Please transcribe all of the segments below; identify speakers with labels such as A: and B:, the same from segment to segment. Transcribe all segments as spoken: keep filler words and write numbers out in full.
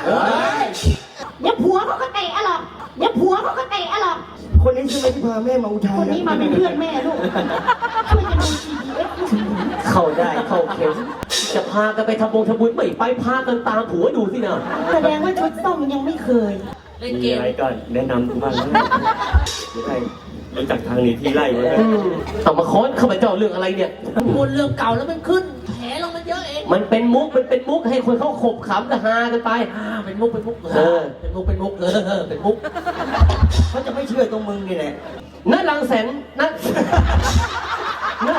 A: เดี๋ยวผัวเขาก็เตะอะหรอกเดี๋ยวผัวเขาก็เตะอะหรอก
B: คนนี้ใช่ไหมที่พาแม่มาอุทัย
A: คนนี้มาเป็นเพื่อนแม่ลูกช่วยกันดูทีวีเอฟ
C: เข้าได้เข้าเข็มจะพากันไปทำบงทำบุญไม่ไปพากันตามผัวดูสินะ
A: แสดงว่าชุดส้มยังไม่เคย
D: มีอะไรก็แนะนำทุกบ้านนะไม่ใช่รู้จักทางหนีที่ไล่ไว้เลย
C: เอามาค้อนเข้ามาเจ้าเรื่องอะไรเนี่ย
E: พูดเรื่องเก่าแล้วมันขึ้นแผลลงมันเยอะเอง
C: มันเป็นมุกมันเป็นมุกให้คนเขาขบขำกันฮากันไป
E: อ่าเป็นมุกเป็นมุก
C: เออ
E: เป็นมุกเป็นมุกเออเป็นมุก
B: เขาจะไม่เชื่อตรงมึงนี่แหละ
C: นัดลังแสนนัดนัด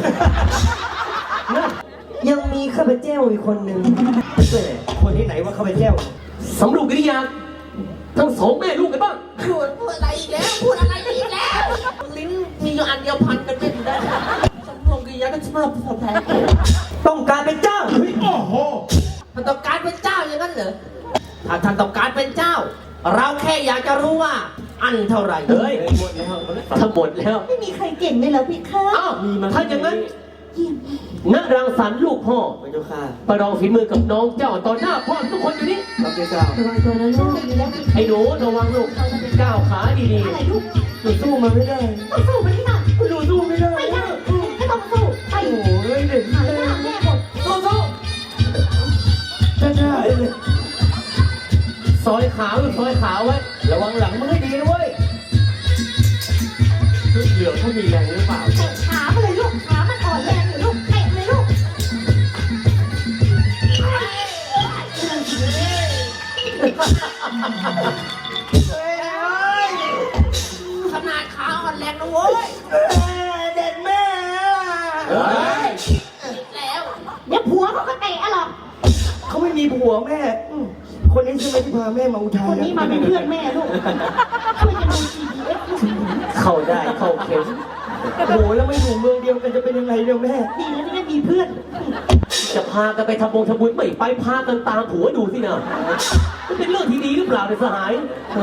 C: นัด
B: ยังมีข้าพเจ้าอีกคนหนึ่งคนที่ไหนว่าข้าพเจ้า
C: สำรวจกิริยาทั้งสองแม่ลูกกันบ้าง
E: พูดพูดอะไรอีกแล้วพูดอะไรอีกแล้วลิ้นมีอยู่อันเดียวพันกันไม่ได้สำรวมกิริยาก็ชอบสอบแพ้
B: ต้องการเป็นเจ้า
E: มันต้องการเป็นเจ้าอย่างนั้นเหรอถ้าท่านต้องการเป็นเจ้า เราแค่อยากจะรู้ว่าอันเท่าไหร่
C: เฮ้ยทั้งหมดแล้ว
A: ไม่มีใครเก่งเลยเหรอพี่คะ
C: อ้าวถ้าอย่างนั้นนักรังสรรค์ลูกพ่อ
B: พระเจ้าค่ะ
C: ประลองฝีมือกับน้องเจ้าต่อหน้าพ่อทุกคนอยู่นี่
B: พระเจ้า
A: ระวังตัวนะลูกดีแล้ว
C: ไอ้หนูระวังลูกก้าวขาดี
A: อะไรลูก
B: หนูสู้มันไม่ได้
A: ต้องสู้มันที่ไหน
B: หนูสู้ไม่ได้
A: ไม่ได้ไม่ต้องสู้ไป
B: โอ้ยเด็ก
A: หายหน้าแม่หมด
E: สู้สู้
B: จ้าจ้าเลย
C: ๆซอยขาลูกซอยขาไว้ระวังหลังมึงให้ดีนะเว้ยเหลืองเขามีแรงหรือเปล่า
A: เตะขาไปเลยลูกขามันอ่อนแรงอยู่ลูกเตะเลยลูก
E: ขนาดขาอ่อนแรงนะโว้ย
B: เด็ดแม่
C: เฮ้ย
E: แล้ว
A: เดี๋ยวผัวเขาก็เตะอะหรอก
B: เขาไม่มีผัวแม่คนนี้ใช่ไหมที่พาแม่มาอุทัย
A: คนนี้มาเป็นเพื่อนแม่ลูกช่วยกันดูทีวีเอฟ
C: เข้าได้เข้าเข็ม
B: โอ้โหแล้วไม่อยู่เมืองเดียวกันจะเป็นยังไงเดี๋ยวแม่
A: ดีแล้วที่ได้มีเพื่อน
C: จะพากันไปทำบงทำบุญไม่ไปพากันตามผัวดูสินะมันเป็นเรื่องที่ดีหรือเปล่าเนี่ยสหาย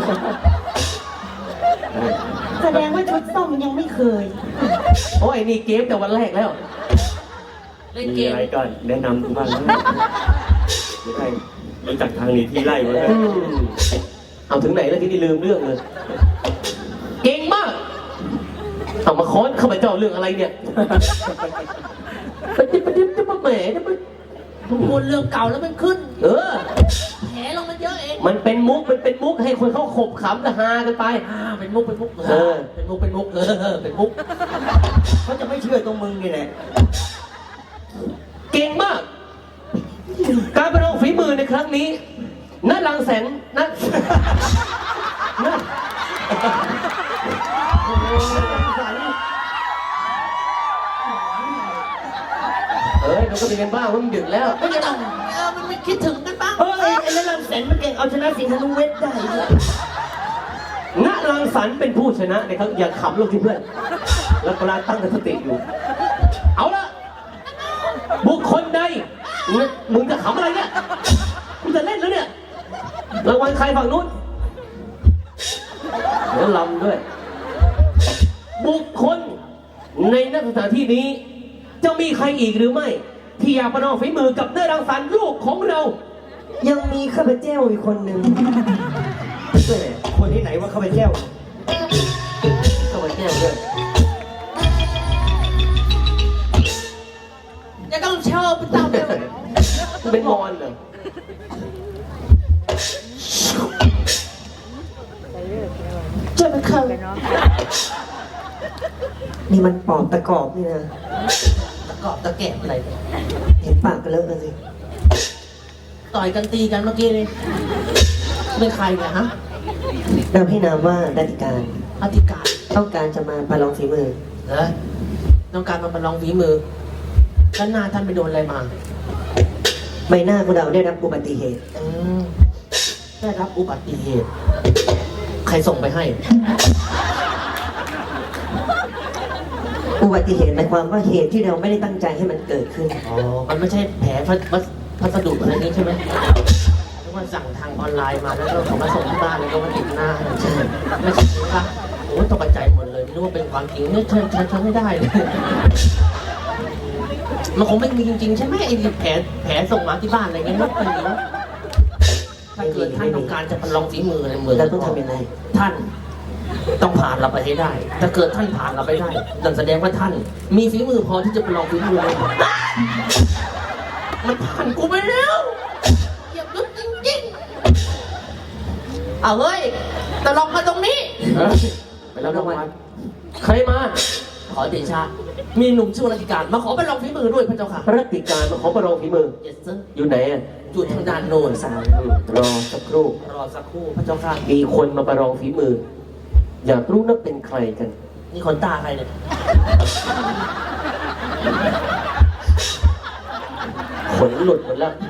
A: แสดงว่าชุดส้มยังไม่เคย
C: โอ้ยนี่เกมแต่วันแรกแล้ว
E: เล่นเก
D: มี
E: ม
D: อะไรก็แนะนำทุกบ้านนะไม่ใช่รู้จักทางหนีที่ไล่ไว้เลย
C: อืมเอาถึงไหนแล้วที่นี่ลืมเรื่องเลย เก่งมาก เอามาค้อนเข้ามาเจ้าเรื่องอะไรเนี่ยประเดี๋ยวประเดี๋ยวจะมาแหมจะมา
E: พูดเรื่องเก่าแล้วมันขึ้น
C: เออ
E: แผลลงมันเยอะเอง
C: มันเป็นมุกมันเป็นมุกให้คนเขาขบขำกันฮากันไป
E: อ่าเป็นมุกเป็นมุก
C: เออ
E: เป็นมุกเป็นมุกเออเป็นมุก
B: เขาจะไม่เชื่อตรงมึงนี่แหละ
C: เก่งมาก การประลองฝีมือในครั้งนี้นัดลังแสนนัดนัดเอ้ยมันก็มีกันบ้างเพราะมันดึกแล้ว
E: ไม่ต้องเออมันไม่คิดถึงกันบ้าง
B: เฮ้ยไอ้นั่นลำแสนมันเก่งเอาชนะสิงห์ธนูเวทได้เลย
C: ณรังสรรค์เป็นผู้ชนะนะครับอย่าขำลูกที่เพื่อน แล้วกำลังตั้งสติอยู่ เอาละบุคคลใดมึงมึงจะขำอะไรเนี่ยมึงจะเล่นแล้วเนี่ยรางวัลใครฝั่งนู้นเดี๋ยวลำด้วย บุคคลในนักสถานที่นี้ จะมีใครอีกหรือไม่ ที่อยากประลองฝีมือกับเนื้อรังสรรค์ลูกของเรา
B: ยังมีข้าพเจ้าอีกคนหนึ่งคนที่ไหนว่าข้าพเจ้า
C: เข้ามาแก้ด้วย
E: จะต้องเช่าเป็นเต่าเดียว
C: เป็นมอนเหรอ
A: เจอเป็นเคย
B: นี่มันปอบตะกอบนี่นะ
E: ตะกอบตะแกะอะไรเนี่ย
B: เห็นปากกันแล้วนะสิ
E: ต่อยกันตีกันเมื่อกี้นี่เป็นใครเนี่ยฮะ
B: เราให้นามว่าดัติการ
E: อธิการ
B: ต้องการจะมาประลองฝีมือ
E: เหรอต้องการมาประลองฝีมือด้านหน้าท่านไปโดนอะไรมา
B: ใบหน้าของเราได้รับอุบัติเหตุ
E: อืมได้รับอุบัติเหตุ ใครส่งไปให้
B: อุบัติเหตุหมายความว่าเหตุที่เราไม่ได้ตั้งใจให้มันเกิดขึ้น
E: อ๋อ มันไม่ใช่แผลพัสพัสพัสดุอะไรนี้ใช่ไหมเพราะว่าสั่งทางออนไลน์มาแล้วก็เขามาส่งที่บ้านแล้วก็มาติดหน้าใช่ไม่ใช่ครับโอ้ตกใจหมดเลยไม่รู้ว่าเป็นความจริงเนี่ยฉันฉันฉันไม่ได้เลย มันคงไม่มีจริงๆใช่ไหมไอ้แผลแผลส่งมาที่บ้านอะไรเงี้ยไม่เป็นจริง
B: โอ้
E: เกิดท่านต้องการจะประลองฝีมือในเมือง
B: เราต้องทำยังไง
E: ท่านต้องผ่านเราไปให้ได้ ถ้าเกิดท่านผ่านเราไปได้นั่นแสดงว่าท่าน มีฝีมือพอที่จะประลองฝีมือเลยมันผ่านกูไปแล้วเหยียบยุดจริงๆเอาเฮ้ยตะลองมาตรงนี้
C: ไปรับรางวัลใครมา
E: ขอเดชะมีหนุ่มชื่อรัติการมาขอประลองฝีมือด้วยพระเจ้าค่ะ
C: รัติการมาขอประลองฝีมือ
E: Yes sir
C: อยู่ไหนอ่ะ
E: อยู่ทางด้านโน้นสาว
C: อืมรอสักครู่
E: รอสักครู่พระเจ้าค่ะ
C: มีคนมาประลองฝีมือ อยากรู้นักเป็นใครกัน
E: นี่คนตาใครเนี่ย
C: ขนหลุดหมดแล้ว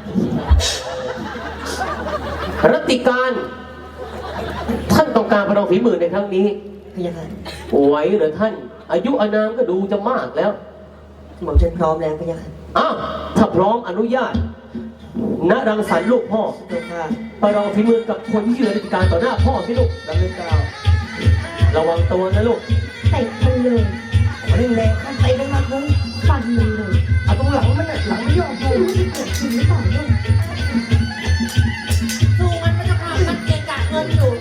C: รัติการ ท่านต้องการประลองฝีมือในครั้งนี้
B: พระยาค่ะ
C: ไหวเหรือท่าน อายุอานามก็ดูจะมากแล้ว
B: หม่อมฉันพร้อมแล้วพระยาค่ะ
C: อ้าวถ้าพร้อมอนุญาตณรังสรรค์ลูกพ่อ
B: พระเจ้าค่ะ
C: ประลองฝีมือกับคนที่อยู่ในราชการต่อหน้าพ่อสิลูก
B: รับเลยเจ้า
C: ระวังตัวนะลูก
A: เตะมันเลย
B: ขอเร่งแรงข้ามไปได้มากเลย
A: ฟันมันเลย
B: เอาตรงหลังมันน่ะหลังไม่ยอม
A: ไม่รู้จะเกิดขึ้นหรือเปล่าเนี่ย
E: สู้มันพระเจ้าค่ะมันเกะกะเงินอยู่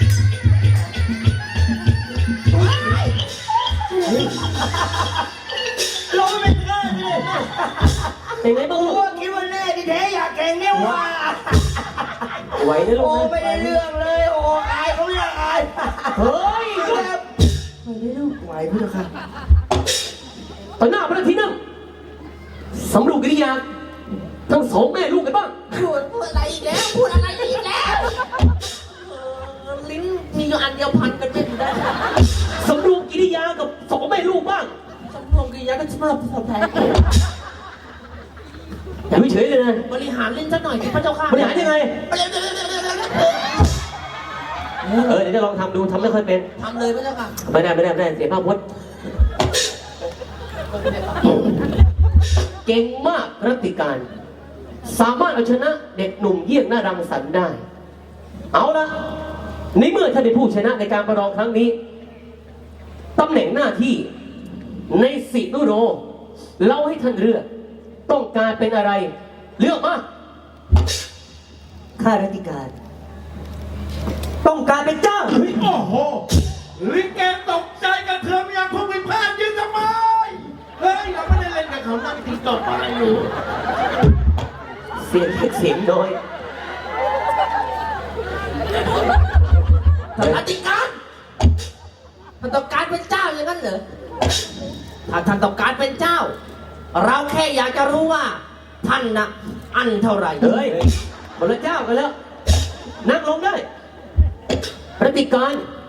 B: ลงไม่ได้เลย
C: เป็นไงบ้าง
B: กู
C: ลูก
B: ว่าคิดว่าแน่ที่แท้อยากแข่งเนี่ยว่ะ
C: ไหวนะลู
B: โอ้
C: ก
B: ไม่ได้เรื่องเลยโอ้อายเขาอยากอาย
C: เฮ้ย
B: แบบ
A: ไปได้ลูก
B: ไหวพระเจ้าค่ะ
C: ต่อหน้าพระที่นั่งสำรวจกิริยาทั้งสองแม่ลูกกันบ้าง
E: พูดพูดอะไรอีกแล้ว พูดอะไรอีกแล้วเออลิ้นมีอยู่อันเดียวพันกันไม่ได้
C: สำรวจกิริยากับสองแม่ลูกบ้าง
E: สำรวมกิริยาก็สำหรับสแพ้
C: อย่าเฉยๆเลยนะ
E: บริหารลิ้นสักหน่อยสิพระเจ้าค่ะ
C: บริหารยังไง เออเดี๋ยวจะลองทำดูทำไม่ค่อยเป็น
E: ทำเลยพระเจ้าค่ะ
C: ไม่ได้ไม่ได้ไม่ได้เสียภาพพจน์เก่งมากรัติการ สามารถเอาชนะเด็กหนุ่มเยี่ยงหน้ารังสรรค์ได้ เอาละในเมื่อท่านได้ผู้ชนะในการประลองครั้งนี้ตำแหน่งหน้าที่ในสินุโรเราให้ท่านเลือกต้องการเป็นอะไร เลือกมา
B: ข้าราชการ ต้องการเป็นเจ้า
F: โอ้โหลิเกตกใจกันเถื่อมอย่างผู้พิพากษายืนทำไม เฮ้ย เราไม่ได้เล่นกับเขานั่งตีตบอะไรอยู่
C: เสียงเล็กเสียงน้อย
E: ท่านอธิการท่านต้องการเป็นเจ้าอย่างนั้นเหรอ ถ้าท่านต้องการเป็นเจ้า เราแค่อยากจะรู้ว่า ท่านนะอันเท่าไหร่
C: เฮ้ยบรรเจ้ากันแล้ว นั่งลงได้รัติการ